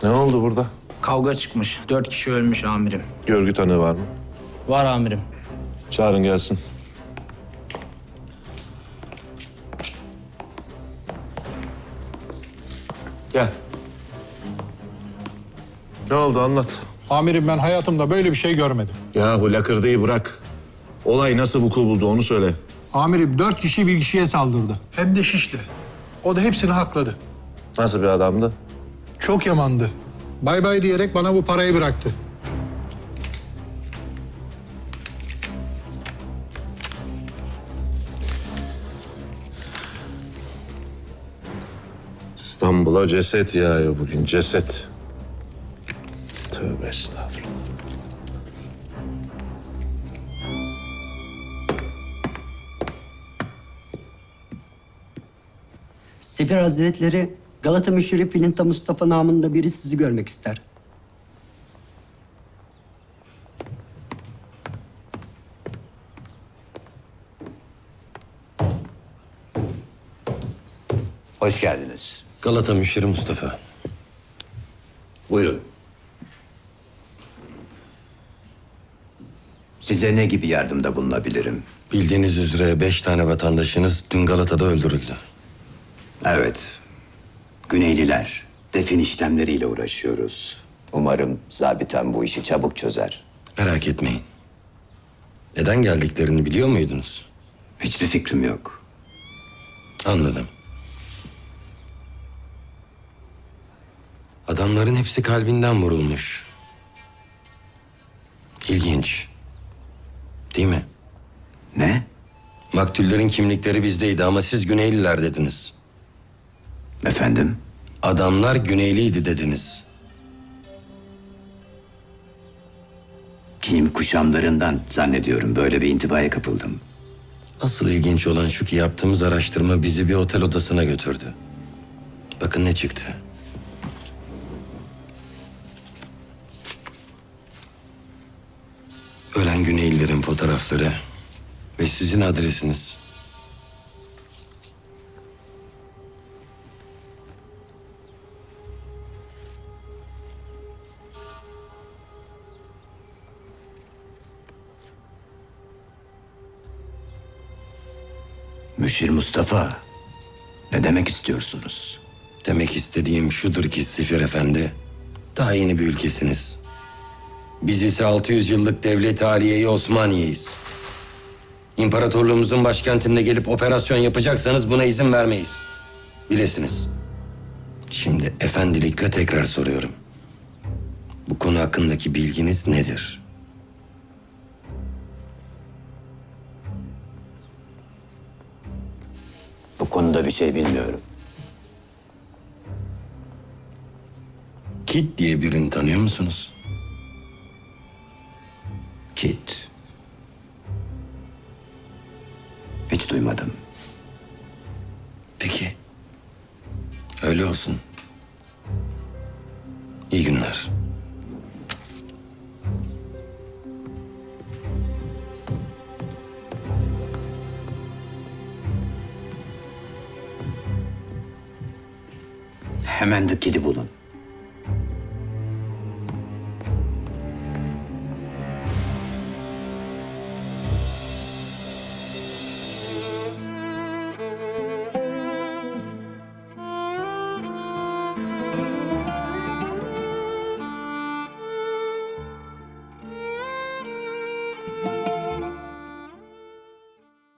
Ne oldu burada? Kavga çıkmış. 4 kişi ölmüş amirim. Görgü tanığı var mı? Var amirim. Çağırın gelsin. Gel. Ne oldu anlat. Amirim ben hayatımda böyle bir şey görmedim. Yahu lakırdıyı bırak. Olay nasıl vuku buldu onu söyle. Amirim 4 kişi bir kişiye saldırdı. Hem de şişle. O da hepsini hakladı. Nasıl bir adamdı? Çok yamandı. Bay bay diyerek bana bu parayı bıraktı. İstanbul'a ceset yağıyor bugün, ceset. Tövbe estağfurullah. Sefir Hazretleri Galata Müşerref Filinta Mustafa namında biri sizi görmek ister. Hoş geldiniz. Galata Müşteri Mustafa. Buyurun. Size ne gibi yardımda bulunabilirim? Bildiğiniz üzere 5 tane vatandaşınız dün Galata'da öldürüldü. Evet. Güneyliler. Defin işlemleriyle uğraşıyoruz. Umarım zabiten bu işi çabuk çözer. Merak etmeyin. Neden geldiklerini biliyor muydunuz? Hiçbir fikrim yok. Anladım. Adamların hepsi kalbinden vurulmuş. İlginç. Değil mi? Ne? Maktullerin kimlikleri bizdeydi ama siz Güneyliler dediniz. Efendim? Adamlar Güneyliydi dediniz. Giyim kuşamlarından zannediyorum böyle bir intibaya kapıldım. Asıl ilginç olan şu ki yaptığımız araştırma bizi bir otel odasına götürdü. Bakın ne çıktı. Ölen Güneylilerin fotoğrafları ve sizin adresiniz. Müşir Mustafa, ne demek istiyorsunuz? Demek istediğim şudur ki Sefir Efendi, daha yeni bir ülkesiniz. Biz ise 600 yıllık devlet-i aliye-i Osmaniye'yiz. İmparatorluğumuzun başkentine gelip operasyon yapacaksanız buna izin vermeyiz. Bilesiniz. Şimdi efendilikle tekrar soruyorum. Bu konu hakkındaki bilginiz nedir? Bu konuda bir şey bilmiyorum. Kit diye birini tanıyor musunuz? Kit. Hiç duymadım. Peki. Öyle olsun. İyi günler. Hemen de Kit'i bulun.